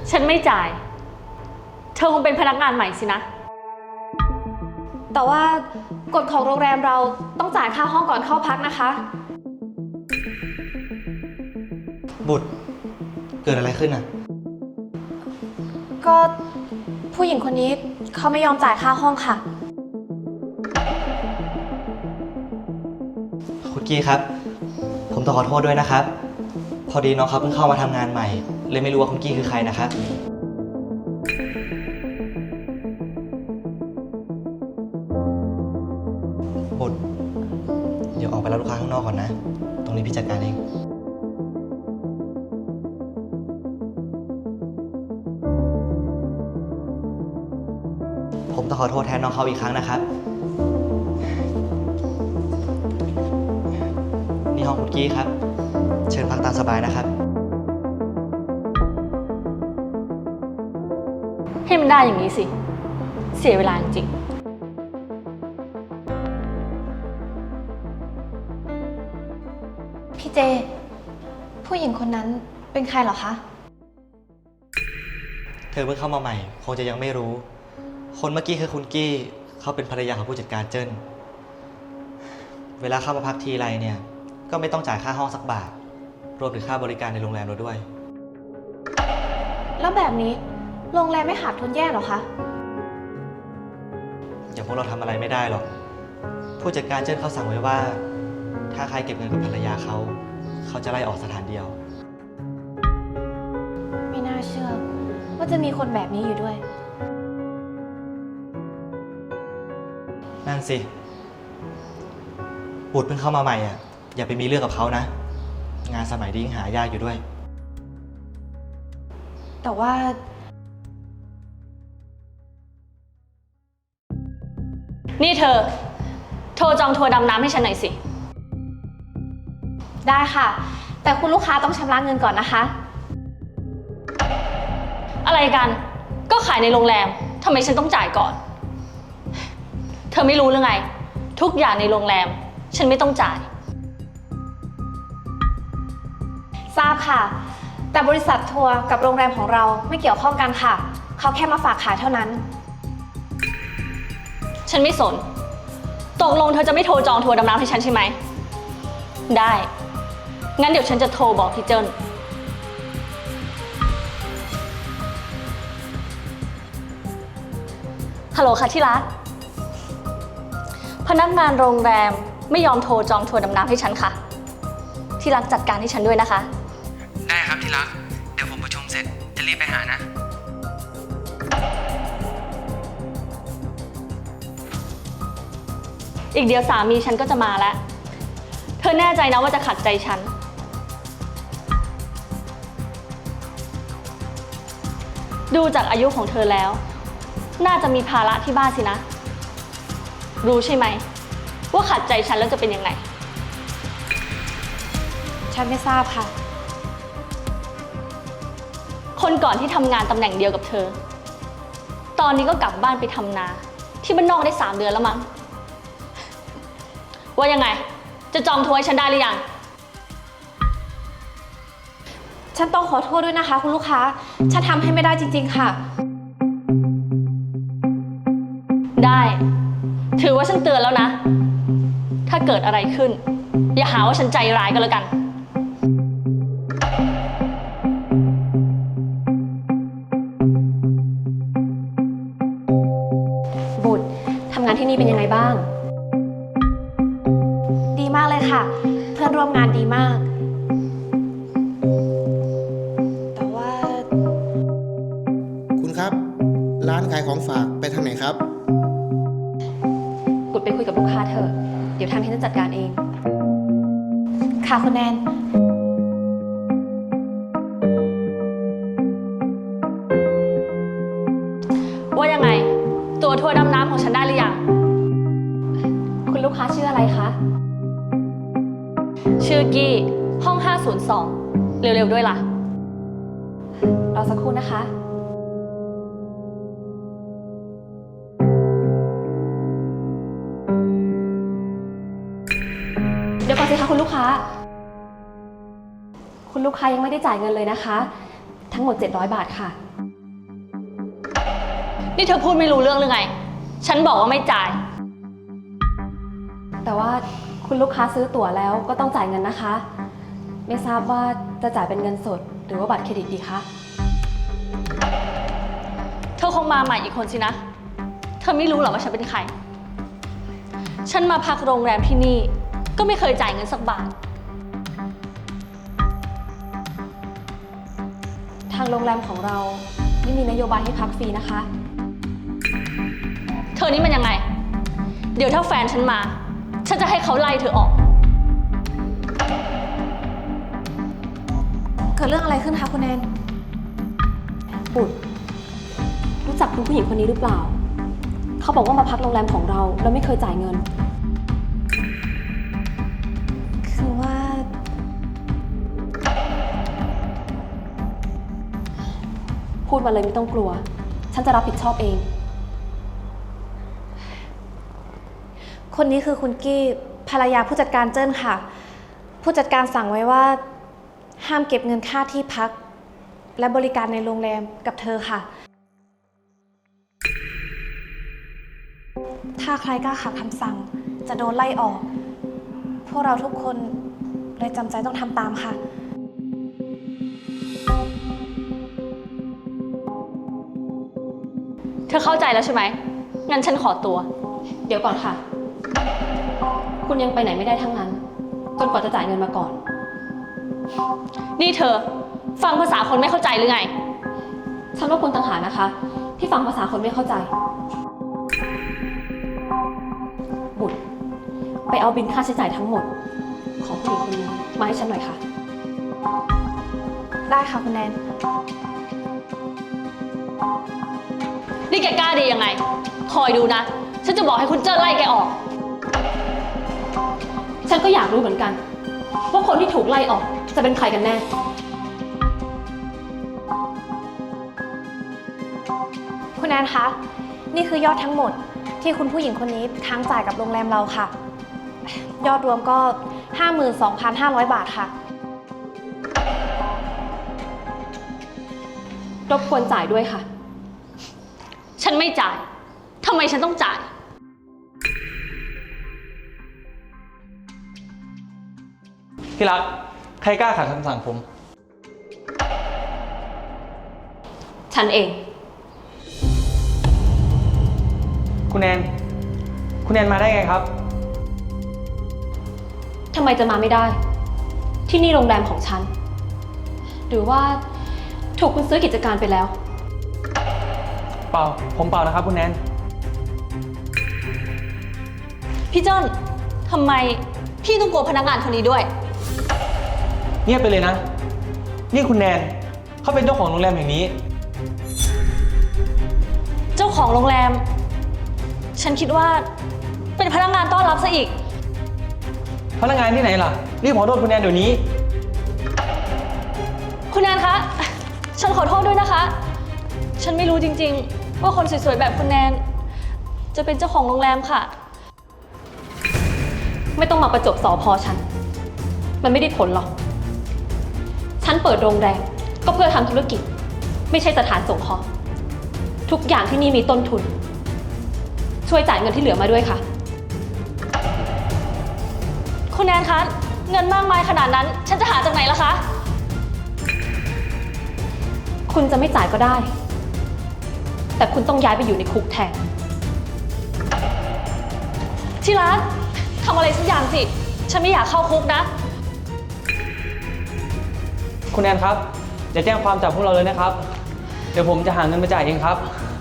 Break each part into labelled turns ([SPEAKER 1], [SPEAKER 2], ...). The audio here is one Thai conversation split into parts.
[SPEAKER 1] ฉันไม่จ่าย เธอคงเป็นพนักงานใหม่สินะ
[SPEAKER 2] แต่ว่ากฎของโรงแรมเราต้องจ่ายค่าห้องก่อนเข้าพักนะคะ
[SPEAKER 3] บุตรเกิดอะไรขึ้นอ่ะ
[SPEAKER 2] ก็ผู้หญิงคนนี้เขาไม่ยอมจ่ายค่าห้องค่ะ
[SPEAKER 3] คุณกี้ครับ ผมต้องขอโทษด้วยนะครับ พอดีน้องเขาเพิ่งเข้ามาทำงานใหม่เลยไม่รู้ว่าคุณกี้คือใครนะครับบุตรเดี๋ยวออกไปรับลูกค้าข้างนอกก่อนนะ ตรงนี้พี่จัดการเอง ผมต้องขอโทษแทนน้องเขาอีกครั้งนะครับ นี่ห้องคุณกี้ครับ เชิญพักตามสบายนะครับ
[SPEAKER 1] ให้มันได้อย่างนี้สิ เสียเวลาจริง
[SPEAKER 2] พี่เจ ผู้หญิงคนนั้นเป็นใครเหรอคะ
[SPEAKER 3] เธอเพิ่งเข้ามาใหม่ คงจะยังไม่รู้ คนเมื่อกี้คือคุณกี้ เขาเป็นภรรยาของผู้จัดการเจิ้น เวลาเข้ามาพักทีไรเนี่ย ก็ไม่ต้องจ่ายค่าห้องสักบาท รวมถึงค่าบริการในโรงแรมเราด้วย
[SPEAKER 2] แล้วแบบนี้โรงแรมไม่ขาดทุนแย่เหรอคะ
[SPEAKER 3] อย่างพวกเราทำอะไรไม่ได้หรอก ผู้จัดการเจิ้นเขาสั่งไว้ว่า ถ้าใครเก็บเงินกับภรรยาเขา เขาจะไล่ออกสถานเดียว
[SPEAKER 2] ไม่น่าเชื่อว่าจะมีคนแบบนี้อยู่ด้วย
[SPEAKER 3] นั่นสิ บุตรเพิ่งเข้ามาใหม่อ่ะ อย่าไปมีเรื่องกับเขานะ งานสมัยนี้ยังหายากอยู่ด้วย
[SPEAKER 2] แต่ว่า
[SPEAKER 1] ๆ นี่เธอ โทรจองทัวร์ดำน้ำให้ฉันหน่อยสิ
[SPEAKER 2] ได้ค่ะ แต่คุณลูกค้าต้องชำระเงินก่อนนะคะ
[SPEAKER 1] อะไรกัน ก็ขายในโรงแรม ทำไมฉันต้องจ่ายก่อน เธอไม่รู้หรือไง ทุกอย่างในโรงแรม ฉันไม่ต้องจ่าย
[SPEAKER 2] ทราบค่ะ แต่บริษัททัวร์กับโรงแรมของเราไม่เกี่ยวข้องกันค่ะ เขาแค่มาฝากขายเท่านั้น
[SPEAKER 1] ฉันไม่สน ตกลงเธอจะไม่โทรจองทัวร์ดำน้ำให้ฉันใช่ไหม ได้ งั้นเดี๋ยวฉันจะโทรบอกพี่เจิ้น ฮัลโหลค่ะที่รัก พนักงานโรงแรมไม่ยอมโทรจองทัวร์ดำน้ำให้ฉันค่ะ ที่รักจัดการให้ฉันด้วยนะคะ
[SPEAKER 4] ได้ครับที่รัก เดี๋ยวผมประชุมเสร็จจะรีบไปหานะ
[SPEAKER 1] อีกเดี๋ยวสามีฉันก็จะมาแล้ว เธอแน่ใจนะว่าจะขัดใจฉัน ดูจากอายุของเธอแล้ว น่าจะมีภาระที่บ้านสินะ รู้ใช่ไหม ว่าขัดใจฉันแล้วจะเป็นยังไง
[SPEAKER 2] ฉันไม่ทราบค่ะ
[SPEAKER 1] คนก่อนที่ทำงานตำแหน่งเดียวกับเธอ ตอนนี้ก็กลับบ้านไปทำนา ที่บ้านนอกได้3 เดือนแล้วมั้ง ว่ายังไง จะจองทัวร์ให้ฉันได้หรือยัง
[SPEAKER 2] ฉันต้องขอโทษด้วยนะคะ คุณลูกค้า ฉันทำให้ไม่ได้จริงๆค่ะ
[SPEAKER 1] ได้ ถือว่าฉันเตือนแล้วนะ ถ้าเกิดอะไรขึ้น อย่าหาว่าฉันใจร้ายก็แล้วกัน
[SPEAKER 2] บุตรทำงานที่นี่เป็นยังไงบ้าง ดีมากเลยค่ะ เพื่อนร่วมงานดีมาก แต่ว่า
[SPEAKER 5] คุณครับ ร้านขายของฝากไปทางไหนครับ
[SPEAKER 2] บุตรไปคุยกับลูกค้าเถอะ เดี๋ยวทางที่จะจัดการเอง ค่ะคุณแนน
[SPEAKER 1] ว่ายังไง ตัวทัวร์ดำน้ำของฉันได้หรือยัง
[SPEAKER 2] คุณลูกค้าชื่ออะไรคะ
[SPEAKER 1] ชื่อกี้ ห้อง 502 เร็วๆด้วยล่ะ
[SPEAKER 2] รอสักครู่นะคะ เดี๋ยวก่อนสิคะคุณลูกค้า คุณลูกค้ายังไม่ได้จ่ายเงินเลยนะคะทั้งหมด 700 บาทค่ะ
[SPEAKER 1] นี่เธอพูดไม่รู้เรื่องหรือไง ฉันบอกว่าไม่จ่าย
[SPEAKER 2] แต่ว่าคุณลูกค้าซื้อตั๋วแล้วก็ต้องจ่ายเงินนะคะ ไม่ทราบว่าจะจ่ายเป็นเงินสดหรือว่าบัตรเครดิตดีคะ
[SPEAKER 1] เธอคงมาใหม่อีกคนสินะ เธอไม่รู้หรอว่าฉันเป็นใคร ฉันมาพักโรงแรมที่นี่ก็ไม่เคยจ่ายเงินสักบาท
[SPEAKER 2] ทางโรงแรมของเราไม่มีนโยบายให้พักฟรีนะคะ
[SPEAKER 1] เธอนี่มันยังไง เดี๋ยวถ้าแฟนฉันมา ฉันจะให้เขาไล่เธอออก
[SPEAKER 2] เกิดเรื่องอะไรขึ้นคะคุณแนน บุตรรู้จักคุณผู้หญิงคนนี้หรือเปล่า เขาบอกว่ามาพักโรงแรมของเราแล้วไม่เคยจ่ายเงิน คือว่า พูดมาเลยไม่ต้องกลัว ฉันจะรับผิดชอบเอง คนนี้คือคุณกี้ภรรยาผู้จัดการเจิ้นค่ะ ผู้จัดการสั่งไว้ว่าห้ามเก็บเงินค่าที่พัก และบริการในโรงแรมกับเธอค่ะ ถ้าใครกล้าขัดคำสั่งจะโดนไล่ออก พวกเราทุกคนเลยจำใจต้องทำตามค่ะ
[SPEAKER 1] เธอเข้าใจแล้วใช่ไหม งั้นฉันขอตัว
[SPEAKER 2] เดี๋ยวก่อนค่ะ คุณยังไปไหนไม่ได้ทั้งนั้นจนกว่าจะจ่ายเงินมาก่อน
[SPEAKER 1] นี่เธอ ฟังภาษาคนไม่เข้าใจหรือไง
[SPEAKER 2] ฉันว่าคุณต่างหากนะคะ ที่ฟังภาษาคนไม่เข้าใจ บุตรไปเอาบินค่าใช้จ่ายทั้งหมด ของผู้หญิงคนนี้มาให้ฉันหน่อยค่ะ ได้ค่ะคุณแนน
[SPEAKER 1] นี่แกกล้าดียังไง คอยดูนะ ฉันจะบอกให้คุณเจิ้นไล่แกออก
[SPEAKER 2] ฉันก็อยากรู้เหมือนกัน ว่าคนที่ถูกไล่ออกจะเป็นใครกันแน่ คุณแนนคะ นี่คือยอดทั้งหมดที่คุณผู้หญิงคนนี้ค้างจ่ายกับโรงแรมเราค่ะ ยอดรวมก็ 52,500 บาทค่ะ รบกวนจ่ายด้วยค่ะ
[SPEAKER 1] ฉันไม่จ่าย ทำไมฉันต้องจ่าย
[SPEAKER 6] ที่รัก ใครกล้าขัดคำสั่งผม
[SPEAKER 2] ฉันเอง
[SPEAKER 6] คุณแนนมาได้ไงครับ
[SPEAKER 2] ทำไมจะมาไม่ได้ ที่นี่โรงแรมของฉัน หรือว่าถูกคุณซื้อกิจการไปแล้ว
[SPEAKER 6] เปล่า ผมเปล่านะครับคุณแนน
[SPEAKER 1] พี่เจิ้นทำไมพี่ต้องกลัวพนักงานคนนี้ด้วย
[SPEAKER 6] เงียบไปเลยนะ นี่คุณแนนเขาเป็นเจ้าของโรงแรมแห่งนี้
[SPEAKER 1] เจ้าของโรงแรม ฉันคิดว่าเป็นพนักงานต้อนรับซะอีก
[SPEAKER 6] พนักงานที่ไหนล่ะ รีบขอโทษคุณแนนเดี๋ยวนี้
[SPEAKER 1] คุณแนนคะ ฉันขอโทษด้วยนะคะ ฉันไม่รู้จริงๆ ว่าคนสวยๆแบบคุณแนน จะเป็นเจ้าของโรงแรมค่ะ
[SPEAKER 2] ไม่ต้องมาประจบสอพอฉัน มันไม่ได้ผลหรอก ฉันเปิดโรงแรมก็เพื่อทำธุรกิจ ไม่ใช่สถานสงเคราะห์ทุกอย่างที่นี่มีต้นทุน ช่วยจ่ายเงินที่เหลือมาด้วยค่ะ
[SPEAKER 1] คุณแนนคะ เงินมากมายขนาดนั้น ฉันจะหาจากไหนล่ะคะ
[SPEAKER 2] คุณจะไม่จ่ายก็ได้ แต่คุณต้องย้ายไปอยู่ในคุกแทน
[SPEAKER 1] ที่รักทำอะไรสักอย่างสิ ฉันไม่อยากเข้าคุกนะ
[SPEAKER 6] คุณแนนครับอย่าแจ้งความจับพวกเราเลยนะครับ เดี๋ยวผมจะหาเงินมาจ่ายเองครับ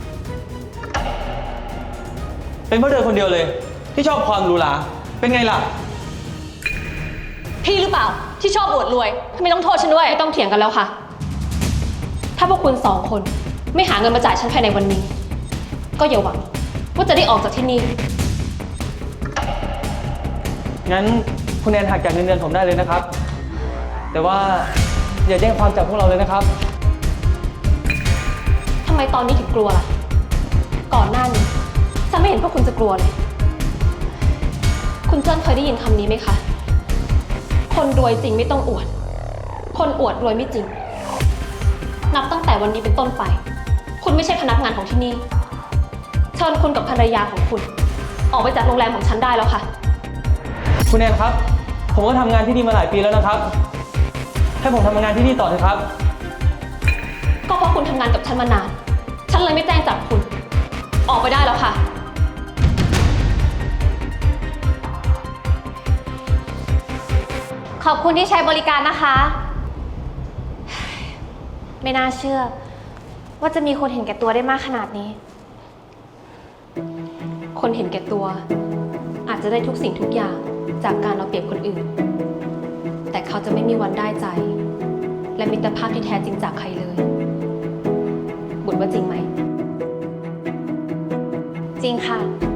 [SPEAKER 6] เป็นเพราะเธอคนเดียวเลย ที่ชอบความหรูหราเป็นไงล่ะ
[SPEAKER 1] พี่หรือเปล่าที่ชอบอวดรวยทำไมต้องโทษฉันด้วย
[SPEAKER 2] ไม่ต้องเถียงกันแล้วค่ะ ถ้าพวกคุณสองคนไม่หาเงินมาจ่ายฉันภายในวันนี้ ก็อย่าหวังว่าจะได้ออกจากที่นี่
[SPEAKER 6] งั้นคุณแนนหักจากเงินเดือนผมได้เลยนะครับ แต่ว่าอย่าแจ้งความจับพวกเราเลยนะครับ
[SPEAKER 2] ทำไมตอนนี้ถึงกลัวล่ะ ก่อนหน้านี้ฉันไม่เห็นพวกคุณจะกลัวเลย คุณเจิ้นเคยได้ยินคำนี้ไหมคะ คนรวยจริงไม่ต้องอวด คนอวดรวยไม่จริงนับตั้งแต่วันนี้เป็นต้นไป คุณไม่ใช่พนักงานของที่นี่ เชิญคุณกับภรรยาของคุณ ออกไปจากโรงแรมของฉันได้แล้วค่ะ
[SPEAKER 6] คุณแอนครับ ผมก็ทำงานที่นี่มาหลายปีแล้วนะครับ ให้ผมทำงานที่นี่ต่อเถอะครับ
[SPEAKER 2] ก็เพราะคุณทำงานกับฉันมานาน ฉันเลยไม่แจ้งจับคุณ ออกไปได้แล้วค่ะ
[SPEAKER 7] ขอบคุณที่ใช้บริการนะคะ ไม่น่าเชื่อ ว่าจะมีคนเห็นแก่ตัวได้มากขนาดนี้
[SPEAKER 2] คนเห็นแก่ตัว อาจจะได้ทุกสิ่งทุกอย่างจากการเอาเปรียบคนอื่น แต่เขาจะไม่มีวันได้ใจ และมิตรภาพที่แท้จริงจากใครเลย บุญว่าจริงไหม
[SPEAKER 7] จริงค่ะ